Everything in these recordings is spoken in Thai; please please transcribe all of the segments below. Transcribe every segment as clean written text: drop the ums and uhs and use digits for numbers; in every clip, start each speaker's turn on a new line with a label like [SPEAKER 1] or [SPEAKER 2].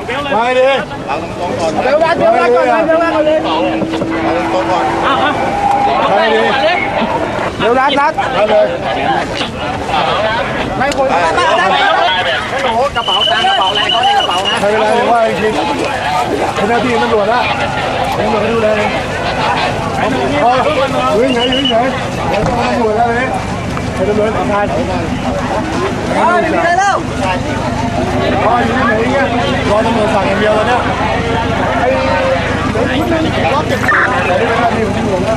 [SPEAKER 1] มาดิเอาตรงก่อนเดี๋ยวก่อนเลยเอาตรงก่อนมาดิเดี๋ยวนัดมาเลยไม่ควรโอ้โหกระเป๋าตังค์กระเป๋าอะไรเขาในกระเป๋านะใครเวลาว่าจริงเป็นหน้าที่ตำรวจนะตำรวจดูแลยืนไหนเดี๋ยวต้องตำรวจแล้วเลยให้ตำรวจทำงานไม่มีใครแล้วพ่ออยู่ที่ไหนเนี่ยรอตำรวจสั่งอย่างเดียวเลยเนี่ยไอ้รอบเก็บแต่ไม่เป็นไรที่ผมอยู่นะ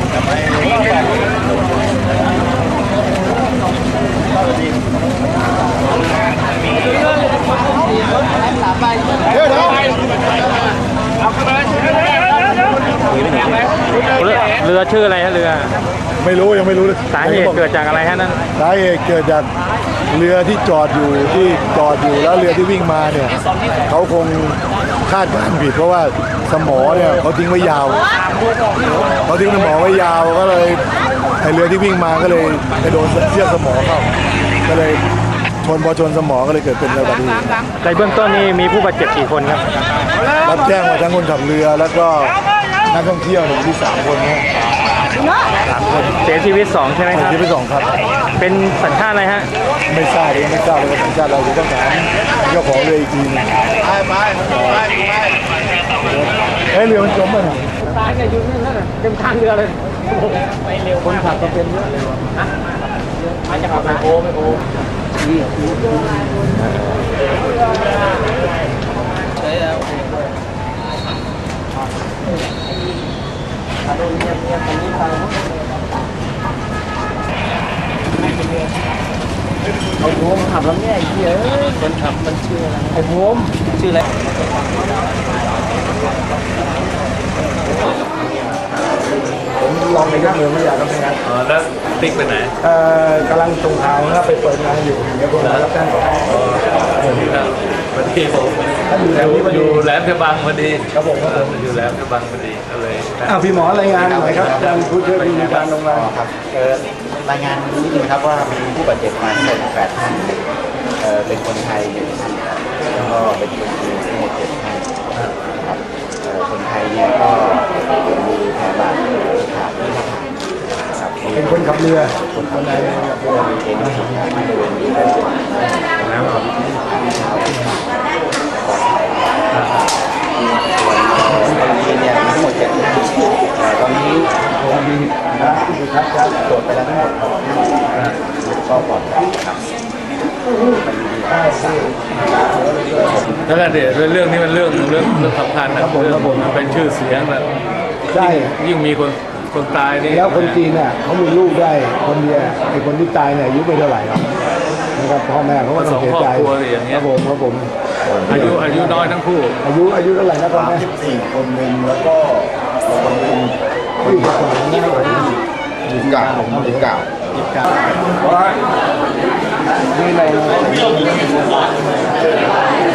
[SPEAKER 2] เรือชื่ออะไรฮะเรือ
[SPEAKER 1] ไม่รู้ยังไม่รู้เลย
[SPEAKER 2] สาเหตุเกิดจากอะไรฮะนั่น
[SPEAKER 1] สาเหตุเกิดจากเรือที่จอดอยู่แล้วเรือที่วิ่งมาเนี่ยเขาคงคาดการณ์ผิดเพราะว่าสมอเนี่ยเขาทิ้งไว้ยาวเขาทิ้งสมอไว้ยาวก็เลยไอเรือที่วิ่งมาก็เลยไปโดนเชือกสมอเข้าก็เลยพอชนสมอก็เลยเกิดเป็นอุบัติเหตุ
[SPEAKER 2] ในเบื้องต้นนี้มีผู้บาดเจ็บกี่คนครับ
[SPEAKER 1] รับแจ้งมาทั้งคนขับเรือแล้วก็นักท่องเที่ยวที่3 คนนะ
[SPEAKER 2] 3 คนเสียชีวิต2ใช่ไหมครับ
[SPEAKER 1] เสียชีวิต2ครับ
[SPEAKER 2] เป็นสัญชาติอะไรฮะ
[SPEAKER 1] ไม่ทราบเลยว่าสัญชาติอะไรต้องถามเจ้าของเรืออีกทีนึงไปเรือมันจมไปไหน
[SPEAKER 2] ตายเนี่ยอยู่นี่นั่นเต็มข้างเรือเลยไปเร็วคนขับก็เป็นเยอะเลยวะมาจากไหนโอ้ไอ้โผมขับแล้วเนี่ยไอ้เหี้ยคนขับมันชื่ออะไรไอ้ผมชื่ออะไร
[SPEAKER 1] ผมลองไปยกมือไม่อยากทำงาน
[SPEAKER 2] แล้วติ๊กไปไหน
[SPEAKER 1] กำลังตรงทางครับไปเปิดงานอยู่เดี๋ยวผมรับแจ้งก่อน
[SPEAKER 2] วันที่ผมอยู่แหลมฉบังพอดี
[SPEAKER 1] ครับผม
[SPEAKER 2] อยู่แหลมฉบังพอดีก็เลย
[SPEAKER 1] พี่หมอรายงานหน่อยครับการผู้ช่วยผู้มีการลงมา
[SPEAKER 3] ครับรายงานนิดนึงครับว่ามีผู้บาดเจ็บมาทั้งหมด8 ท่านเป็นคนไทยแล้วก็เป็นคนจีนทั้งหมด7 ท่านครับคนไทยเนี่ยก็มีแผลบาดขาที่หน้าผากครับ
[SPEAKER 1] เป็นคนขับเรือ
[SPEAKER 3] คนไทยขับเรือมีเองที่บริเวณนี้ได้ส่วนแล้วก็ที่เท้าที่ขาปลอดภัยส่วนคนจีนเนี่ยทั้งหมด7 ท่านตอนนี้ผมมีครับตรวจไปแล้วทั้งหมดก็ปลอดภัยครับ
[SPEAKER 2] แล้วก็เดี๋ยวเรื่องนี้มันเรื่องสำคัญนะเรื่องมันเป็นชื่อเสียงนะ
[SPEAKER 1] ใช่
[SPEAKER 2] ยิ่งมีคนตายนี่
[SPEAKER 1] แล้วคนจีนเนี่ยเขามีลูกได้คนเดียวไอ้คนที่ตายเนี่ยอายุไม่เท่าไหร่หรอกนะครับพ่อแม่เขาก็ต้องเสียใจครับผม
[SPEAKER 2] อายุน้อยทั้งคู่
[SPEAKER 1] อายุเท่าไหร่นะพ่อแม่
[SPEAKER 3] 14 คนหนึ่งแล้วก็คนหนึ่ง
[SPEAKER 1] ที่จะสอนนี่
[SPEAKER 3] 29
[SPEAKER 1] นี่ใน